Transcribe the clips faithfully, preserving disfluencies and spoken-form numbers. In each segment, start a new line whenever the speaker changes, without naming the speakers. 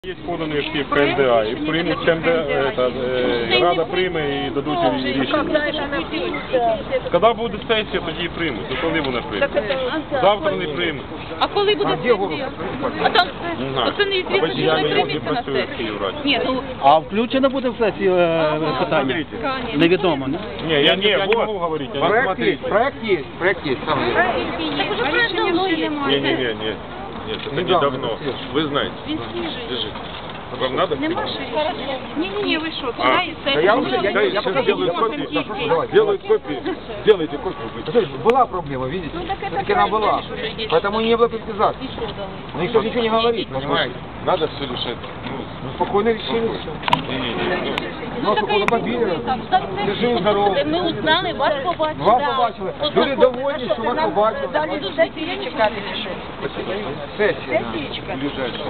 Є подані всі в КМДА, і приймуть КМДА, Рада прийме і дадуть рішення. Коли буде сесія, тоді і приймуть. Ну коли вони приймуть? Завтра не приймуть.
А коли буде сесія? А там, це неізвісно, що
Я
не
не
прийметься на
працюю в
сесію.
Київраді.
Ні, ну,
А включено буде в сесію е, питання? Невідомо, не?
Ні, я не, я не можу говорити.
Проект есть, проект есть, проект есть. Сам я.
так уже проект давно є.
Не, не, не, не. Нет, это недавно. Вы знаете.
Він свіжий.
Держите. Вам надо?
Нема ще. Ні-ні-ні, ви що,
А,
туди і
Да
сесію.
я уже, я,
Да,
я,
я
я
сейчас
покажу.
сделаю копию.
Давайте.
Делают копии. Сделайте копию.
Смотрите, была проблема, видите? Все-таки она была. Поэтому не было политизации. Но никто ничего не говорит, понимаете?
Надо все решать.
Ну, спокойно решили все.
Не-не-не.
Ну, спокойно побили. Держи здорово.
Ми узнали, вас побачили.
Вас побачили. Люди довольні, що вас побачили.
Далі до сесії чекати чи що?
Сесія.
Ближайшее.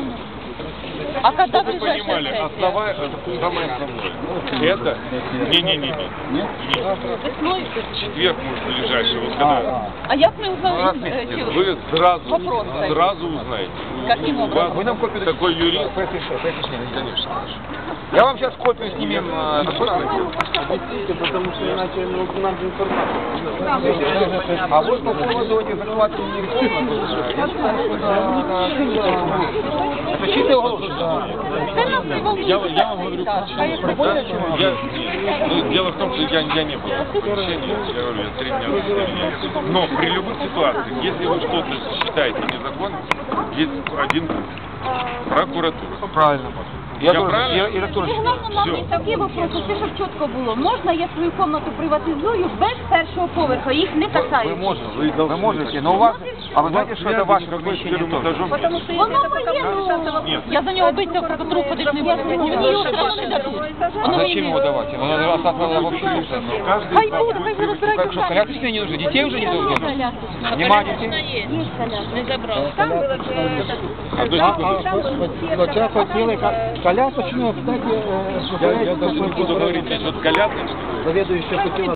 А коли
Вы
ближайша
понимали,
сесія?
основа, самое основное. Это? Не-не-не.
Весною?
Четверг, может, ближайший. Вот когда
А як ми узнали? е, ці
вы сразу,
Вопрос.
сразу узнаете.
Каким
У
образом?
вас
Вы нам копию
такой
дадите?
юрист?
Конечно, конечно.
Конечно.
Я вам сейчас копию снимем. э, доставим.
Потому что иначе нам же информация.
А вот по поводу этих захватываний реформ, э, я считаю, что это это чистый уголовный.
Це нас не волнує.
Я, я вам говорю,
Так, а як
да, я, ну, дело в том, что я, я не был в заключении, я говорю, я три дня заключения. Но при любых ситуациях, если вы что-то считаете незаконным, есть один путь. Прокуратура.
Правильно.
Я
тоже-
правильно?
я- я тоже считаю.
Головне нам
Всё.
не такі вопроси, це щоб чітко було. Можна я свою кімнату приватизую без першого поверху, їх не
Вы
касаються.
можете, вы, можете, но у вас, а вы знаете, что это ваше помещение тоже?
Тому що воно моє, ну,
Нет.
Я за нього битися в прокуратуру ходити не буду. Мені його все одно не дадуть. Воно мені
Зачем
не-
его давать? Оно осталось вообще не нужно.
Хай буде, хай вже розбирають.
Как что, коляски себе не нужны? Детей уже не должны? Нема детей?
Не забрали.
А до сих пор-
Вот сейчас хотели колясочную, кстати,
я, я даже не буду говорить, здесь вот колясочник.
заведующая хотела